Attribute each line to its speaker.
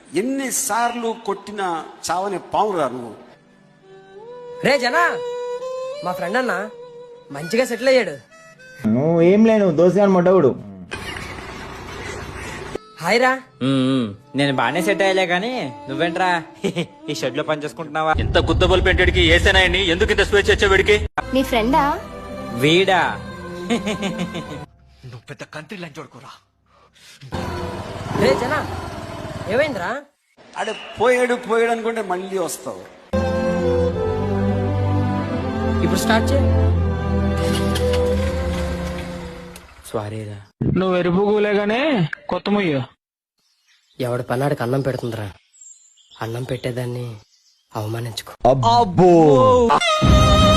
Speaker 1: ఎన్నిసార్లు కొట్టినా చావని పావురా నువ్వు.
Speaker 2: రే జనా, మా ఫ్రెండ్ అన్న మంచిగా సెటిల్ అయ్యాడు.
Speaker 3: నువ్వు ఏం లేను దోశగాని మొట్టవుడు.
Speaker 2: హాయ్ రా.
Speaker 4: నేను బానే సెట్ అయ్యలే గానీ నువ్వేంట్రా ఈ షెడ్ లో పని చేసుకుంటున్నావా?
Speaker 5: ఇంత గుద్దబల్ పెంటడికి ఏసేనాయని ఎందుకు ఇంత స్వేచ్ఛ వచ్చే వీడికి?
Speaker 6: మీ ఫ్రెండా?
Speaker 4: వీడా?
Speaker 5: నువ్వు పెద్ద కంట్రీ లైన్ చూడుకోరా.
Speaker 2: రే జనా, ఏమైందిరా?
Speaker 1: అడే పోయాడు అనుకుంటే మళ్ళీ వస్తావు.
Speaker 2: ఇప్పుడు స్టార్ట్ చేయి.
Speaker 4: సారీరా.
Speaker 7: నువ్వు ఎరుపుగులేగానే కొత్త ముయ్యు.
Speaker 2: ఎవడి పన్నాడికి అన్నం పెడుతుందిరా, అన్నం పెట్టేదాన్ని అవమానించుకో.
Speaker 3: అబ్బో